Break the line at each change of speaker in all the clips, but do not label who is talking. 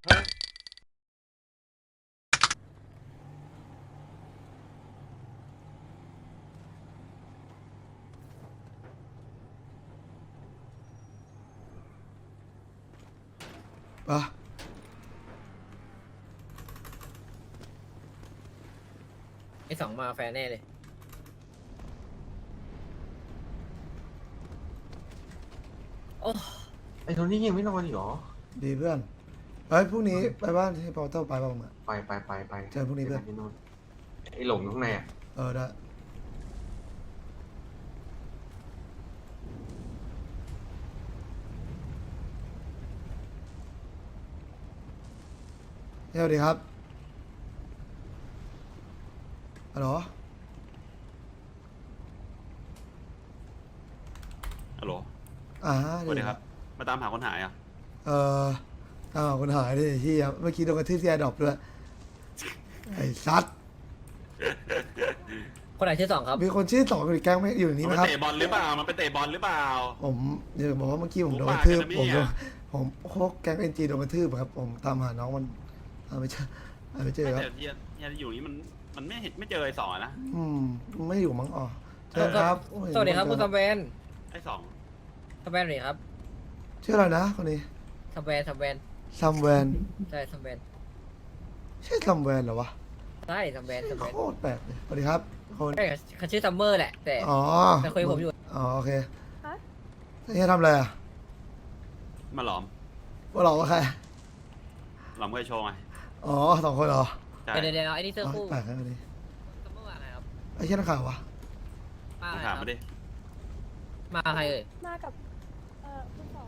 ปะ
ไอ้สองมาแฟนแน่เลยโอ้
ไอ้โทนี่ยังไม่นอนอีกเหรอ
ดีเพื่อนเฮ้ยพรุ่งนี้ไปบ้านที่พอเตอร์ไปบ้างมั้ย
ไป
เจอพรุ่งนี้เพื่อน
ไอ้หลงข้างในอ่ะ
ได้สวัสดีครับฮัลโหล
ฮัลโหลสวัสดีครับมาตามหาคนหายอ่ะ
ตามหาคนหายดิที่เมื่อกี้โดนกระทืบที่แอร์ดรอปด้วยไอ้ซัด
คนไหนชื่อสองครับ
มีคนชื่อสองอยู่แก๊งไม่อยู่ในนี้ไหมครับ
มันไปเตะบอลหรือเปล่ามันไปเตะบอลหรือเปล่า
ผมอยากบอกว่าเมื่อกี้ผมโดนกระทืบผมโคกแก๊งเอ็นจีโดนกระทืบครับผมตามหาน้องมันไม่เจอครับ
แต่ยันอยู่นี้มันไม่เจอไอ้สองนะ
ไม่อยู่มั้งเจอครับ
สวัสดีครับคุณซัมแวน
ไอ้สอง
ซัมแวนนี่ครับ
ชื่ออะไรนะคนนี้
ซัมแวน
ซัมแวน
ใช่ซัมแวน
ใช่ซัมแวนเหรอวะ
ใช่ซัมแวน
โคตรแปลกเลยสวัสดีครับ
คนเขาชื่อซัมเมอร์แหละแต่คุยผมอยู่
โอเคนี่ทำอะไรอ่ะ
มาหลอม
ว่าหลอมว่าใคร
หลอมเคยโชว์ไง
สองคนเหรอ
เดี๋ยวไอ้นี่เสื้อคู่
แปลกนะคนนี้
ซัมเมอร์มาไงครับ
ไอ้เช่นข่าววะ
มาถามมาดิ
มาใครเอ่ย
มากับคุณสอง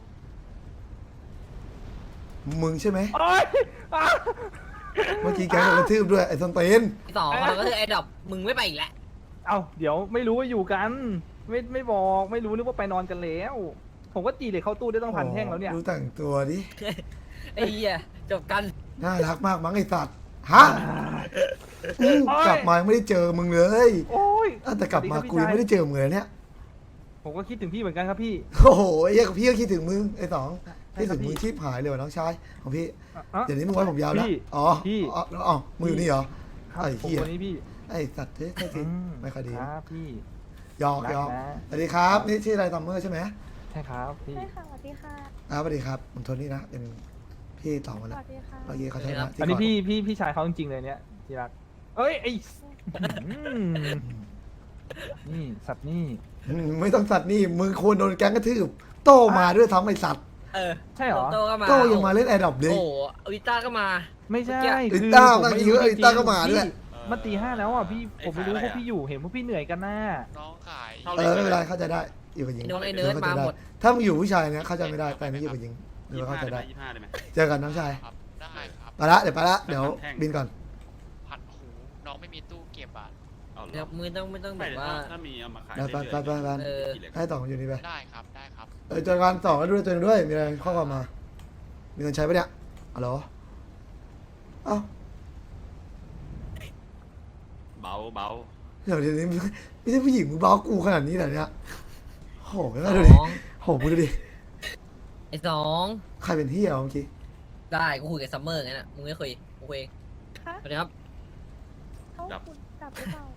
มึงใช่ไหมเมื่อกี้แกโดนกระทืบด้วยไอ้ส้นตีน
สองเราก็คือไอ้ดอกมึงไม่ไปอีกแล้ว
เดี๋ยวไม่รู้ว่าอยู่กันไม่บอกไม่รู้นึกว่าไปนอนกันแล้วผมก็จีเลยเข้าตู้ได้ต้องพันแท่งแล้วเนี่ย
ดูแต่งตัวดิ
ไอ้เหี้ยจบกัน
น่ารักมากมั้งไอ้สัตว์ฮะกลับมาไม่ได้เจอมึงเลยแต่กลับมากูยังไม่ได้เจอมึงเลยเนี่ย
ผมก็คิดถึงพี่เหมือนกันครับพี่
โอ้โหไอ้เหี้ยพี่ก็คิดถึงมึงไอ้สองคิดถึงมึงชีพหายเลยว่ะน้องชายของพี่เดี๋ยวนี้มึงไว้ผมยาวแล้ว
พี่
มึงอยู่นี่เหรอ
ไอ้พี่พี่
ไอ้สัตว์เฮ้ยไม่ค่อยดี
ครับพี่
ยอกสวัสดีครับนี่ชื่ออะไรซัมเมอร์ใช่ไหม
ใช่ครับพี่
ใช่ค่ะสวัสดีค่ะ
สวัสดีครับผมโทนี่นะเป็นพี่ต่อมาแล้ว
สวัสดีค่ะ
เมื่อกี้เขาใช่ไหม
อันนี้พี่ชายเขาจริงๆเลยเนี่ยที่รักไอ้นี่สัตว์นี่
ไม่ต้องสัตว์นี่มึงควรโดนแก๊งกระทืบโตมาด้วยทั้งไอ้สัตว์
ใช่เหรอ
โตยังมาเล่นแอร์ดรอปเลย
โอ้อิต้าก็มา
ไม่ใช่
อิต้ามาเยอะอิต้าก็มาด้วย
มาตี 5แล้วพี่ผมไม่รู้พวกพี่อยู่เห็นพวกพี่เหนื่อยกันน่ะ
น้องขาย
ไม่เป็นไรเข้าใจได้อยู่กับหญิง
น้องไอ้เนิร์ดมาหมด
ถ้ามึงอยู่ผู้ชายเนี่ยเข้าใจไม่ได้แต่นี่อยู่กับหญิงเดี๋ยวเข้าใจได้เจอกันน้องชาย
ได้ครับ
ไปละเดี๋ยวบินก่อน
ผัดหูน้องไม่มีตู้เก็บอ่ะ
เดี๋ยวมือไม่ต้องแบบว่า
ถ้ามีเอามาขาย
ไปให้ต่ออยู่นี่ไป
ได้ครับ
เจอกันต่อแล้วด้วยตัวนึงด้วยมีอะไรข้อความมามีเงินใช้ปะเนี่ยอ๋อ
เบา
เดี๋ยวนี้ไม่ใช่ผู้หญิงมึงเบากูขนาดนี้เหรอเนี่ยโหก็ดูดิมึงดูดิ
ไอ้สอง
ใครเป็นที่เมื่อกี้
ได้กูคุยกับซัมเมอร์งั้นอ่ะมึงไม่คุยกูคุยสวัสดีครับ
ดับหรือเปล่า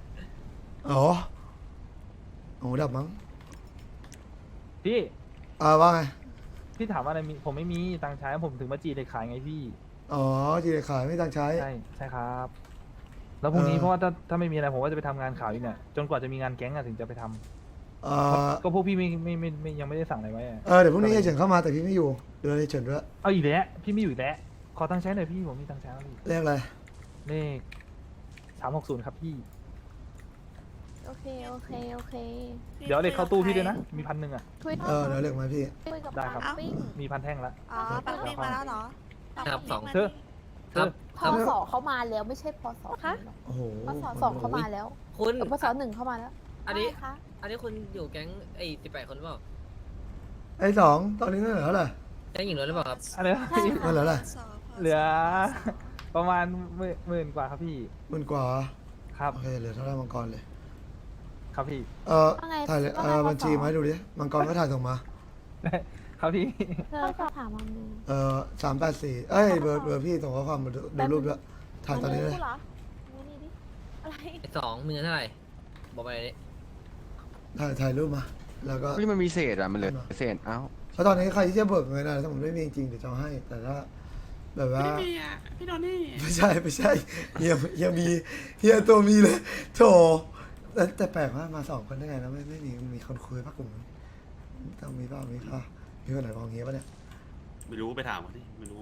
ดับมั้ง
พี่
ว่าไง
พี่ถามว่าอะไรผมไม่มีตังค์ใช้ผมถึงมาจีเลยขายไงพี่
จีเลยขายไม่ตังค์ใช้
ใช่ครับแล้วพรุ่งนี้เพราะว่าถ้าไม่มีอะไรผมก็จะไปทำงานข่าวอีกเนี่ยจนกว่าจะมีงานแก๊งถึงจะไปทำก็พวกพี่ไม่ยังไม่ได้สั่งอะไรไว้
เดี๋ยวพรุ่งนี้เฉินเข้ามาแต่พี่ไม่อยู่เดี๋ยวเฉินด้วย
เอาอีกแล้วพี่ไม่อยู่อีกแล้วขอตังค์ใช้หน่อยพี่ผมมีตังค์ใช้แล้วพี่
เลขอะไร
เลข360ครับพี่
โอเค
เดี๋ยวเลขเข้าตู้พี่ด้วยนะมี1,000อ่ะ
เดี๋ยวเลขมาพี่
ได้ครับมี1,000แท่งแล้ว
ปังปิ้งมาแล้วเหรอ
ครับสอง
พศเข้ามาแล้วไม่ใช่พศ
โอ้โห
พศ2เข้ามาแล้ว
คุณ
พศ1เข้ามาแล้ว
อันนี้คุณอยู่แก๊ง18 คนหรือเปล่า
ไอ้2ตอนนี้เหลือเท่าไหร่
แก๊งหญิงล้วนหรือเปล่าครับ
อะไร
เหลืออะไร
เหลือประมาณ10,000 กว่าครับพี่
10,000 กว่า
ครับ
โอเคเหลือเท่าไหร่มังกรเลย
ครับพี่
ถ่ายบัญชีมาให้ดูดิมังกรก็ถ่ายส่งมา
ครับพี่
เธอก็ถามมันนึง
384เอ้ยเบอร์พี่ส่งข้อความมาดูรูปด้วยถ่ายตอนนี้เลย
เหรอนี่ดิอะไร
ไอ้สองมึงเงินเท่าไหร่บอกมาเลยดิ
ถ่ายรูปมาแล้วก็
นี่มันมีเศษอ่ะ มันเหลือเศษ เอ้า
เพราะตอนนี้ใครที่จะเบิกเงินอะไรถ้าผมไม่มีจริงเดี๋ยวจะเอาให้ แต่ถ้าแบบว่า
ไม่มีอ่ะ พี่โดนี่
ไม่ใช่เฮียมีเฮียตัวมีเลยโถแต่แปลกว่ามา2 คนได้ไงแล้วไม่มีคนคุยปะกลุ่มนี้ต้องมีเปล่ามีค่ะมีคนไหนมองเงี้ยปะเนี่ย
ไม่รู้ไปถามเขาดิไม่รู้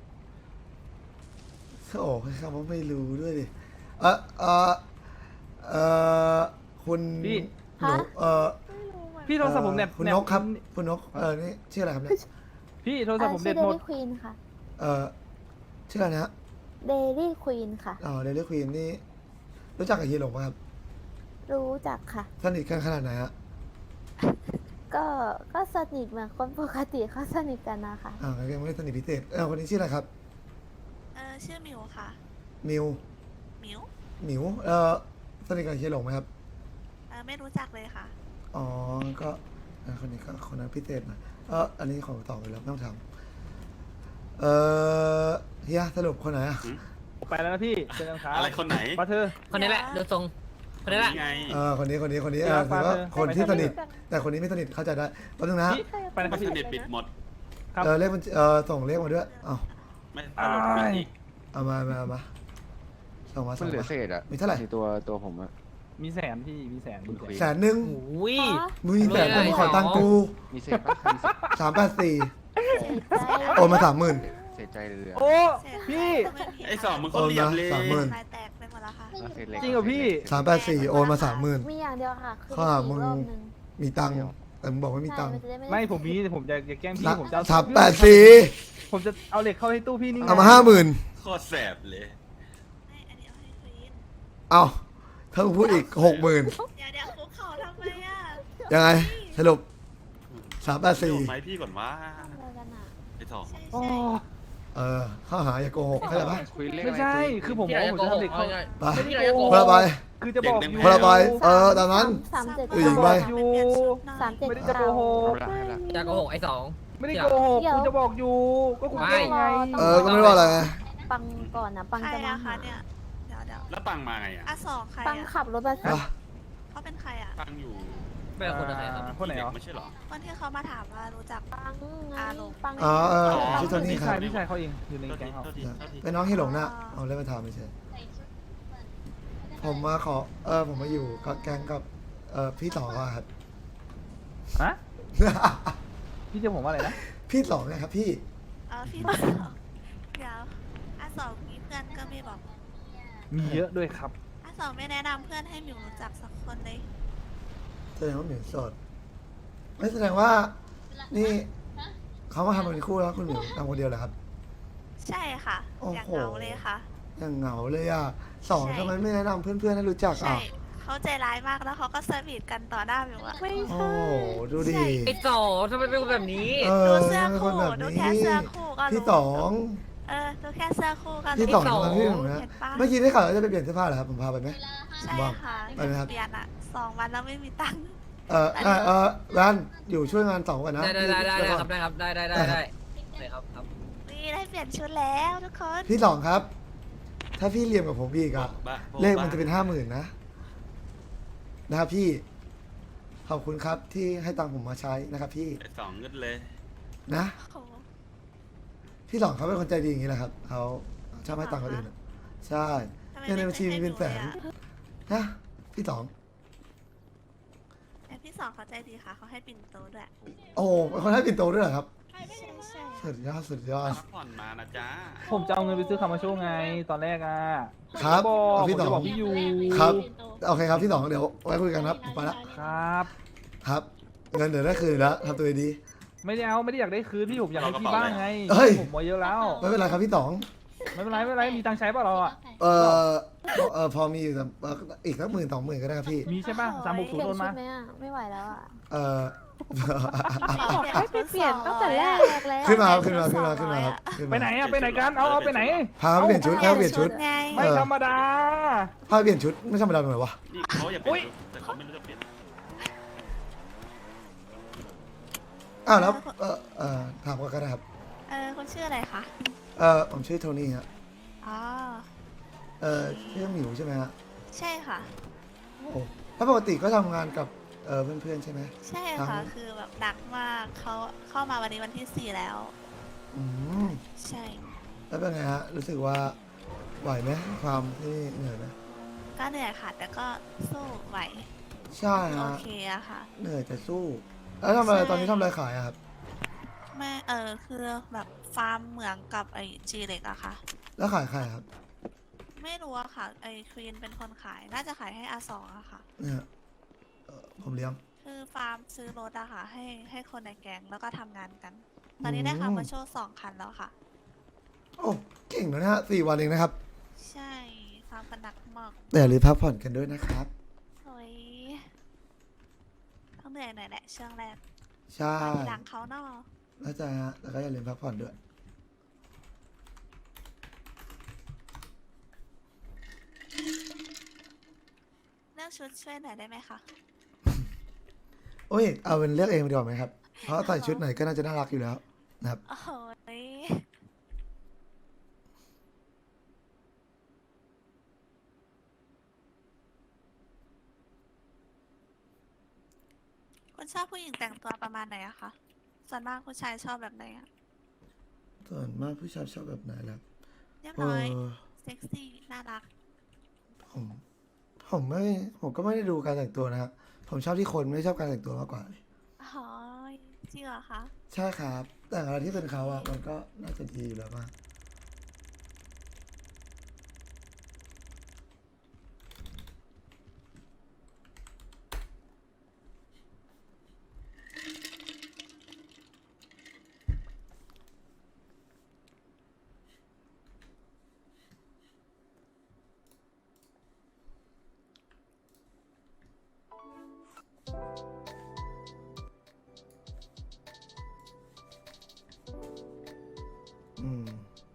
โอ้คำว่าไม่รู้ด้วยดิคุณ
พี่
หนู
พี่โทรศัพท์ผมเน็ต
คุณนกครับคุณนกนี่ชื่ออะไรครับเนี่ย
พี่โทรศัพท์ผม
ชื่
เน็
อ
ต
เด
หมด
ลี่ควีนค่ะ
ชื่ออะไรนะฮะ
เดลี่ควีนค่ะ
เดลี่ควีนนี่รู้จักกับเฮียหลงไหมครับ
รู้จักค่ะ
สนิทกันขนาดไหนฮะ
ก็สนิทเหมือนคนปกติเขาสนิทกันนะคะ
ยังไม่ได้สนิทพิเศษคนนี้ชื่ออะไรครับ
ชื่อหมิวค่ะ
มิว
หมิว
หมิวสนิทกับเฮียหลงไหมครับ
ไม่รู้จักเลยค่ะ
อ๋อก็คนนี้ก็คนนั้นพิเศษหน่อยอันนี้ของต่อไปแล้วไม่ต้องทำเฮียสรุปคนไหนอะ
ไปแล้วนะพี่เจอกันครับ
อะไรคนไหน
ปาเธอ
คนนี้แหละดูทรงคนนี้แหละ
นี่ไง
คนนี้ถือว่า
ไปเถอะ
คนที่
ไป
ส
เถอะ
นิทแต่คนนี้ไม่สนิทเข้าใจได้แป๊บนึงนะฮะ
พี่ไปนะค
ไม่
รับพี่
สนิทปิดหมด
ครับ
เลขมันส่งเลขมาด้วยเอา
ไม่ตลกปิดอีก
เอามาส่งมา
มันเหลือเศษอ่ะ
มีเท่าไหร่
ในตัวผมอ่ะ
มีแสนพี่มีแสนมีแสน
100,000
อุ้ย
มึงมีแสน
รวยเลย
มึงขอตังค์กู
มีเศษปะมีเศษ
384โอนมา 30,000
เศษใจเหลือ
โอ้พี่
ไอ้สองมึงคนเหลี่ยมเลย
โอนมา
ลายแตกไปหมดแล้วค่ะ
แล้วเศษเล็ก
จริงเหรอพี่
384โอนมา30,000
มีอย่างเดียวค่ะ คือ
ข้อหามึง
อีกรอบนึง
มีตังค์แต่มึงบอกไม่มีตังค์
ใช่นจะได้
ไม่ผมมีผมจะแกล้งพี่ผมจะ
384
ผมจะเอาเหล็กเข้าให้ตู้พี่นี่ไง
เอามา 50,000
โคตรแสบเลย
ไม่อันนี้เอาให้ควีน
เอาถ้ามึงพูดอีก 60,000
เดี๋ยวคุกเข่าทำไมอ่ะ
ยังไงสรุป
ไหมพี่ก่อนว่า
อะไรกันอ่ะ
ไอ้สอง
ใช่
โอ้
ใช่
ข้อหาอย่าโกหกเข้าใจปะ
คุยเลข
ไม่
อะไร
ใช่
คุย
คือผมบอกว่าผมจะทำเหล็กเข้า
ไป
ไม่ได้โกหก
คนละใบ
คือจะบอกอยู่
คนละใบตามนั้น
37
อีกใบ
อยู่
37
ไม่ได้จะโกหก
เอาละให้ละ
จะโกหกไอ้สอง
ไม่ได้โกหกคุณจะบอกอยู่ ก็คุณ
ไม่
แกล้งไง
ก็ไม่ได้ว่าอะไรไง
ปังก่อนนะปัง
ใคร
จะมา
อะคะ
หา
เนี่ย เดี๋ยว
แล้วปังมาไงอ่ะ
สองใคร
ปัง
อะ
ขับรถมา
อ่ะ
เขาเป็นใครอะ
ปังอยู่
ไม่เป็นคนอะไรครับ
คนไหนเหรอ
ไม่ใช่เหรอ
คนที่เขามาถามว่ารู้จัก
ปังไง
ลง
ปัง
ชื่อโทนี่
พี่
ครั
ชา
บ
ยพี่ชายเขาเองอยู่ใน
โทษ
แก๊
ที
งเขา
โทษทีโทษที
เป็นน้องที่หลงนะเอาเล่นมาถามไม่ใช่ผมมาขอผมมาอยู่กับแก๊งกับพี่ต่อครับ
ฮะพี่จะผมว่าอะไรนะ
พี่สองนะครับพี่
พี่สองเดี๋ยวสองมีเพื่อนก็ไม่บอก
มีเยอะด้วยครับ
สองไม่แนะนำเพื่อนให้หมิวรู้จักสักคนเลย
แสดงว่าหมิวโสดไม่แสดงว่านี่เขามาทำเป็นคู่แล้วคุณหมิวทำคนเดียวเหรอครับ
ใช่ค่ะ
โอ้โห
อยากเหงาเลยค่ะ
ยังเหงาเลยอ่ะสอง
ใช่
ทำไมไม่แนะนำเพื่อนๆให้รู้จัก
ใช่
อ่ะ
เขาใจร้ายมากแล้วเขาก็สวีทกันต่อหน้าหมิวอะ
โอ้ดูดิ
ไอ้สองทำไมเป็นคนแบบนี้
ดูเสื้อ
เป็นค
คู่
นแบบ
ดู
นี้
แค่เสื้อคู่ก็รู้
พี่สอง
ดูแค่เสื้อคู่ก็รู้
พี่สองทำไมพี่หลงนะ
เห็นปะ
เมื่อกี้ได้ข่าวว่าจะไปเปลี่ยนเสื้อผ้าเหรอครับผมพาไปไหม
ใช่
ว่าง
ค่ะ
ไปไหมครับ
เปลี่ยนอะ2 วันแล้วไม่มีตังค์
แรนอยู่ช่วยงานสองก่อนนะ
ได้ครับได้ครับได้ครับครับ
นี่ได้เปลี่ยนชุดแล้วทุกคน
พี่สองครับ ถ้าพี่เรียมกับผมอีกอะ
บ้า
เลขมันจะเป็น50,000นะครับพี่ขอบคุณครับที่ให้ตังค์ผมมาใช้นะครับพี่
ไอ้สองเงินเลย
นะ
โอ้โห
พี่สองเขาเป็นคนใจดีอย่างนี้แหละครับเขาชอบให้ตังค์คนอื่นอะใช่
ทำไม
เงินในบัญชีมีเป็นแสน
ไม่ให้ดูเลยอะ
นะพี่สอง
แต่พี่สองเขาใจดีค่ะเขาให้ปิ่นโตด้วย
โอ้โหเป็นคนให้ปิ่นโตด้วยเหรอครับ
ใช่ใช่
สุดยอดสุดยอด
พักผ่อนมานะจ๊ะ
ผมจะเอาเงินไปซื้อคามาโชไงตอนแรกอ่ะ
ครับ
บอก
เอา
ผม
พี่สอ
จะ
ง
บอกพี่ยู
ครับโอเคครับพี่สองเดี๋ยวไว้คุยกันครับผมไปละ
ครับ
ครับ เงินเดี๋ยวได้คืนแล้วทำตัวดี
ไม่ได้เอาไม่ได้อยากได้คืนพี่ผมอยากให้พี่บ้างไง
เฮ้ย
ผมมาเยอะแล้ว
ไม่เป็นไรครับพี่สอง
ไม่เป็นไรไม่เป็นไรมีตังค์ใช้ป่ะเราอ่ะ
พอมีอยู่แต่อีกสัก10,000-20,000ก็ได้ครับพี่
มีใช่ป่ะ360
เปลี่ย
โด
น
น
ชุ
มา
ดไหมอ่ะ ไม่ไหวแล้วอ่ะ
เอ่อ
ให้ไปเปลี่ยนตั้งแต่แรกแล้ว
ขึ้นมาครับขึ้นมาครับขึ้นมา
ไปไหนอ่ะไปไหนกันเอาไปไหน
พาไปเปลี่ยนชุดพาไปเปลี่ยนชุด
ไง
ไม่ธรรมดา
พาไปเปลี่ยนชุดไม่ธรรมดาตรงไหนวะ
นี่เขาอยากเปลี่ยนชุดแต่เขาไม่รู้จะเปลี่ยน
อ้าวแล้วถามก่อนก็ได้ครับ
คุณชื่ออะไรคะ
ผมชื่อโทนี่ฮะ
อ๋อ
ชื่อหมิวใช่ไหมฮะ
ใช่ค่ะ
โอ้แล้วปกติก็ทำงานกับเพื่อนๆใช่ไหม
ใช่
ครั
ค่ะ
บ
คือแบบดักมากเขาเข้ามาวันนี้วันที่ 4 แล้ว
อืม
ใช่
แล้วเป็นไงฮะรู้สึกว่าไหวไหมความที่เหนื่อยไหม
ก็เหนื่อยค่ะ แต่ก็สู้ไหว
ใช่
โอ
ฮะ
เคอะค่ะ
เหนื่อยแต่สู้ แล้วทำอะไร
ใช่
ตอนนี้ทำอะไรขายอะครับ
แม่คือแบบฟาร์มเหมืองกับไอจีเล็กอะค่ะ
แล้วขายใครครับ
ไม่รู้อะค่ะ ไอควีนเป็นคนขาย น่าจะขายให้อาสองอะค่ะ
เนี่ยผมเลี้ยง
คือฟาร์มซื้อรถอะค่ะ ให้คนในแก๊งแล้วก็ทำงานกัน ตอนนี้ได้
อืม
คาร์มาโชว์2 คันแล้วค่ะ
โอ้เก่งนะฮะ4 วันเองนะครับ
ใช่ฟาร์มกันหนักมาก
แต่อย่าลืมพักผ่อนกันด้วยนะครับ
โอ้ยต้องเหนื่อยหน่อยแหละช่วงแรก
ใช่
มาทีหลังเขาเนาะ
แล้วใจฮะแล้วก็อย่าลืมพักผ่อนด้วย
เลือกชุดช่วยหน่อยได้ไหมคะ
โอ้ยเอาเป็นเลือกเองดีกว่าไหมครับ เพราะใส่ชุดไหนก็น่าจะน่ารักอยู่แล้วนะครับ
โอ้ยคุณชอบผู้หญิงแต่งตัวประมาณไหนอะคะ ส่วนมากผู้ชายชอบแบบไหนอะ
ส่วนมากผู้ชายชอบแบบไหนล่ะ
เรียบ
เอ
ร้อย
อ
เซ็กซี่ น่ารัก
ผมก็ไม่ได้ดูการแต่งตัวนะครับ ผมชอบที่คนไม่ชอบการแต่งตัวมากกว่า
อ๋อ จริงเหรอคะ
ใช่ครับ แต่อะไรที่เป็นเขาอะมันก็น่าจะดีอยู่แล้วมากอืม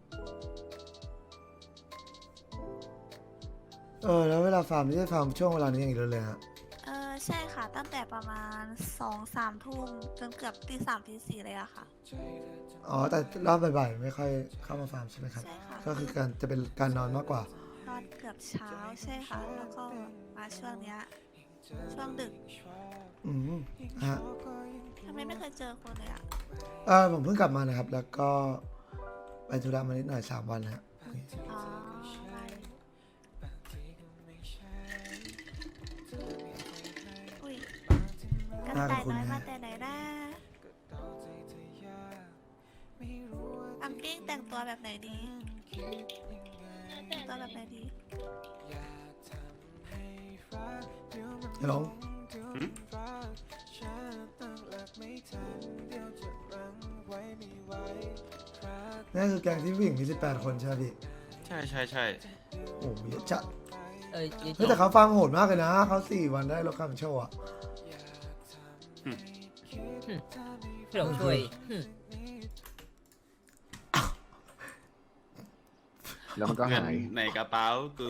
แล้วเวลาฟาร์มนี่จะฟาร์มช่วงเวลานี้อย่างเดียวเลยฮะ
ใช่ค่ะ ตั้งแต่ประมาณ2-3 ทุ่มจนเกือบตี 3 ตี 4เลยอะค่ะ
อ๋อ แต่รอบบ่ายๆไม่ค่อยเข้ามาฟาร์มใช่ไหมครับ
ใช่ค่ะ
ก็คือการจะเป็นการนอนมากกว่า
นอนเกือบเช้าใช่ค่ะ แล้วก็มาช่วงเนี้ย ช่วงดึก
อืมฮะ
ทำไมไม่เคยเจอคนเลยอะ
ผมเพิ่งกลับมานะครับ แล้วก็ไปธุระมานิดหน่อย3 วันนะฮะ
อ๋อไม่อุ้ยกระต่ายน้อยมาแต่ไหนนะอัมกิ้งแต่งตัวแบบไหนดีแต่งตัวแบบไหนดี
ฮัลโหล นั่นคือแก๊งที่ผู้หญิงมี18 คนใช่ไหมพี่
ใช่ใช่ใช่
โอ้โหเยอะจัด
เอ้ย
เฮ้ยแต่เขาฟังโหดมากเลยนะ เขา4 วันได้รถคันโชว์อะ
พี่หลงช่วยหึ
แล้วมันก็
เงิน
หาย
ในกระเป๋ากู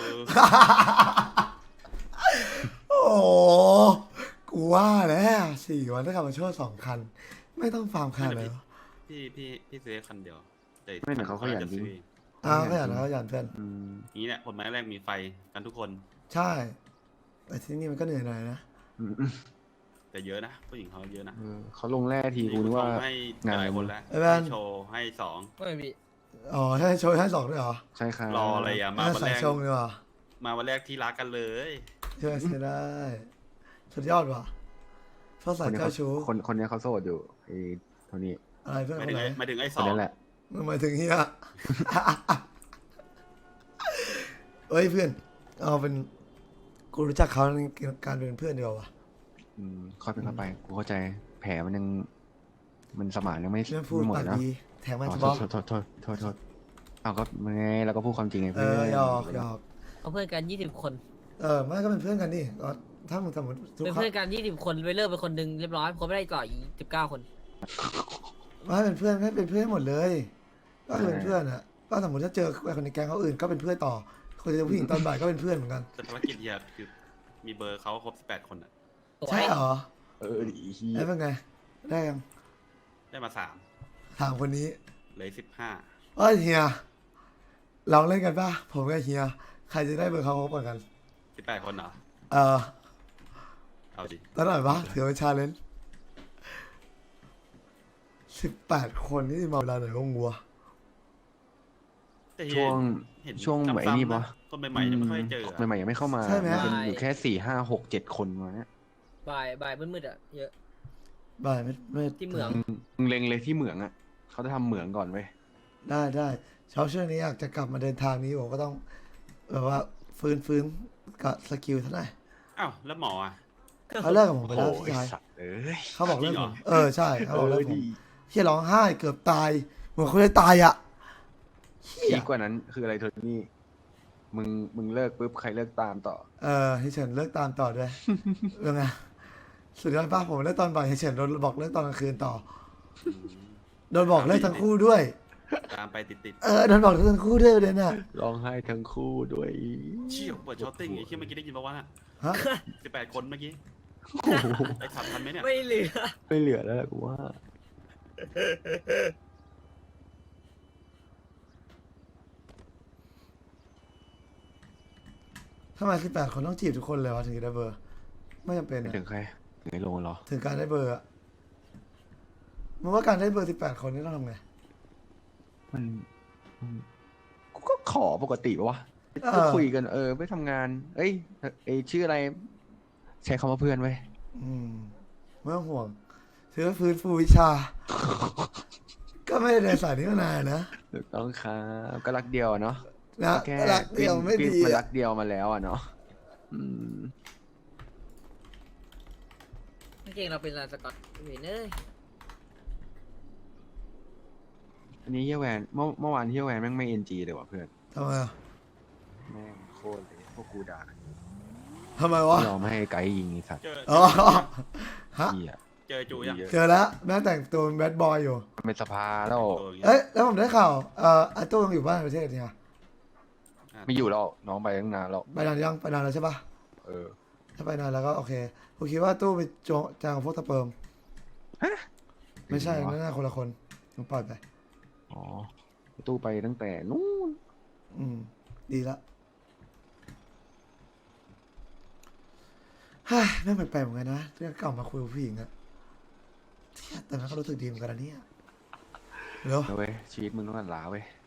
โอ้โหกูว่าแล้ว4 วันได้ขับมาโชว์2 คัน ไม่ต้องฟาร์มคันเลยเหรอ
พี่ซื้อคันเดียวแต่
ไม่เหมือนเขาขยันจริง
ก็อย่างนั้นก็อย่างเพื่อน
อืม
นี้เนี่ยคนไม้แรกมีไฟกันทุกคน
ใช่ แต่ที่นี่มันก็เหนื่อยหน่อยนะ
อืม
แต่เยอะนะผู้หญิงเขาเยอะนะ
เขาลงแร่ทีกูนึกว่า
ส่งให้
งาน
หลายคนแล้ว
ไอ้แว่น
ให้โชว์ให้สอง
ไม่มี
อ๋อให้โชว์ให้2ด้วยเหรอ
ใช่ครับ
รออะไรอ่ะมาวัน
ใส่
แรก
ชงดีกว่า
มาวันแรกที่รักกันเลย
ช่วยใช้ได้ สุดยอดว่ะชอบ
ค
ใส่
นเนี้ย
เจ้า
เขา
ชู้
คนเนี้ยเขาโสดอยู่ไอ้เท่านี้
อะไรเพื่อน
หมาย
ค
ถึ
น
ง
ไหน
หมายถึงไอ้ส
คน
อง
นั้นแหละ
หมายถึงเฮีย เอ้ยเพื่อน เอาเป็น กูรู้จักเขาในการเป็นเพื่อนเดียวาว่ะ
ค่อยเป็นค่อยไป กูเข้าใจ แผลมันยัง มันสมานยังไม่
เรื่องพูด
ไม่หมด
ปาก
นะ
ดีแถมมา
อ๋อ
เฉ
โท
พาะ
ษโทษเอาก็มันไงเราก็พูดความจริงไง
เอ
เพื่อน
อหยอกหยอก
เอาเพื่อนกัน20 คน
ไม่ก็เป็นเพื่อนกันดิก็ถ้ามึงสมมติทุก
เป็น
ครั้
เพื่อง นกัน20 คนไปเลิกไปคนหนึงเรียบร้อยผมไม่ได้ต่ออีก19 คน
ไม่เป็นเพื่อนไม่เป็นเพื่อนหมดเลย ก็คือเป็นเพื่อนอะก็สมมติถ้าเจอคนในแก๊งเขาอื่นก็เป็นเพื่อนต่อ คนเจอผู้หญิงตอนบ่ายก็เป็นเพื่อนเหมือนกัน
แต่ภารกิจเฮียคือมีเบอร์เขาครบ18 คนอ่ะ
สวย
ใช่เหรอ
ดีเฮีย
แล้วเป็นไง ได้ยัง
ได้มา3
ถามคนนี้
เหลย15
เอ้ยเฮียลองเล่นกันป่ะผมกับเฮียใครจะได้เบอร์เขาครบกัน
18 คนเหรอ เอาดิ
แล้วหน่อยปะถือเป็นชาเลนจ์18 คนนี่มาเวลาไหนก็งัว
แต่
ช่วง
เห็น
ช่วง
ซ้ำๆ
ไอ้นี่ปะ
คนใหม่ๆยังไม่ค่อยเจออะ
ใหม่ๆยังไม่เข้ามา
ใช่ไหม
นจะอยู่แค่4 5 6 7 คนมาเนี้ย
บ่ายมืดๆอ่ะเยอะ
บ่ายไม่
ที่เหมือง
มึงเล็งเลยที่เหมืองอ่ะเขาจะทำเหมืองก่อนเว้ย
ได้เช้าช่วงนี้อยากจะกลับมาเดินทางนี้ผมก็ต้องแบบว่าฟื้นกับสกิลเท่าไหร่
อ้าวแล้วหมออ่ะ
เขาเลิกกับผมไปแล้ว
โอ้
พี่
ย
ชาย
สัตว์เอ้ย
เขาบอกเลิก
จริงเห
ผ
รอ
มใช่เขาบอกเลิกผม
ดี
เฮียร้องไห้เกือบตายเหมือนคนจะตายอ่ะเฮีย
ดีกว่านั้นคืออะไรโทนี่มึงเลิกปุ๊บใครเลิกตามต่อ
ให้เฉินเลิกตามต่อด้วย ยังไงสุดยอดป้าผมเลิกตอนบ่ายให้เฉินโดนบอกเลิกตอนกลางคืนต่อโดนบอกเลิกทั้งคู่ด้วย
ตามไปติด
โดนบอกเลิกทั้งคู่ด้วยเลยน่ะ
ร้องไห้ทั้งคู่ด้วย
ๆเชี่ยวเปิดช้อตติ้งไอ้เชี่ยเมื่อกี้ได้ยินปะวะน่ะ
ฮะ
18 คนเมื่อกี้
โอ้โห
ไอ้ขับทันไหมเนี่ย
ไม่เหลือ
ไม่เหลือแล้วแหละกูว่า
ทำไม18 คนต้องจีบทุกคนเลยวะถึงจะได้เบอร์ ไม่จำเป็น
ไม่
อะ
ถึงใครถึงไอ้โลเหรอ
ถึงการได้เบอร์อะมึงว่าการได้เบอร์18 คนนี่ต้องทำไง
มันกูก็ขอปกติปะวะ
เออ
ก็คุยกันไปทำงาน เอ้ยชื่ออะไร ใช้คำว่าเพื่อนไว้ย
ไม่ต้องห่วงถือว่าฟื้นฟูวิชา ก็ไม่ได้เดินสายนี้มานานนะ
ถูกต้องครับก็รักเดียวอะเนาะ
นะ
แค่
รักเดียวไม่ดี
มันรั
อะ
กเดียวมาแล้วอ่ะเนาะอืม
เก่งเราเป็นลานสกอตเวนเอ้ย
อันนี้เฮียแวนเมื่อวานเฮียแวนแม่งไม่เอ็นจีเลยว่ะเพื่อน
ทำไมอะ
แม่งโคตรเลยพวกกูด่ากันอยู่
ทำไมวะ
ยอมให้ไกด์ยิงไอ้สัตว์
เจอ
อ๋อฮะ
เฮีย
เจอจูยัง
เจอแล้วแม่แต่งตัวเป็นแบดบอยอยู่
มันเป็นสภาแล้ว
โอ้ย
เอ้ยแล้วผมได้ข่าวอาโต้ยังอยู่บ้านประเทศเนี่ย
ไม่อยู่แล้วน้องไปตั้งนานแล้ว
ไปนานยังไปนานแล้วใช่ปะ
เออ
ถ้าไปนานแล้วก็โอเคผมคิดว่าตู้ไปจางกับพวกตะเปิมไม่ใช่นั่นน่าคนละคนผมปล่อยไป
อ๋อตู้ไปตั้งแต่นู้น
ดีละเฮ้ยแม่งแปลกๆเหมือนกันนะเรื่องเก่ามาคุยกับผู้หญิงอะเที่ยแต่นั้นก็รู้สึกดีเหมือนกันนะเนี่ยเดี๋ยว
เอาเว้ยชีวิตมึงต้องหลาเว้ย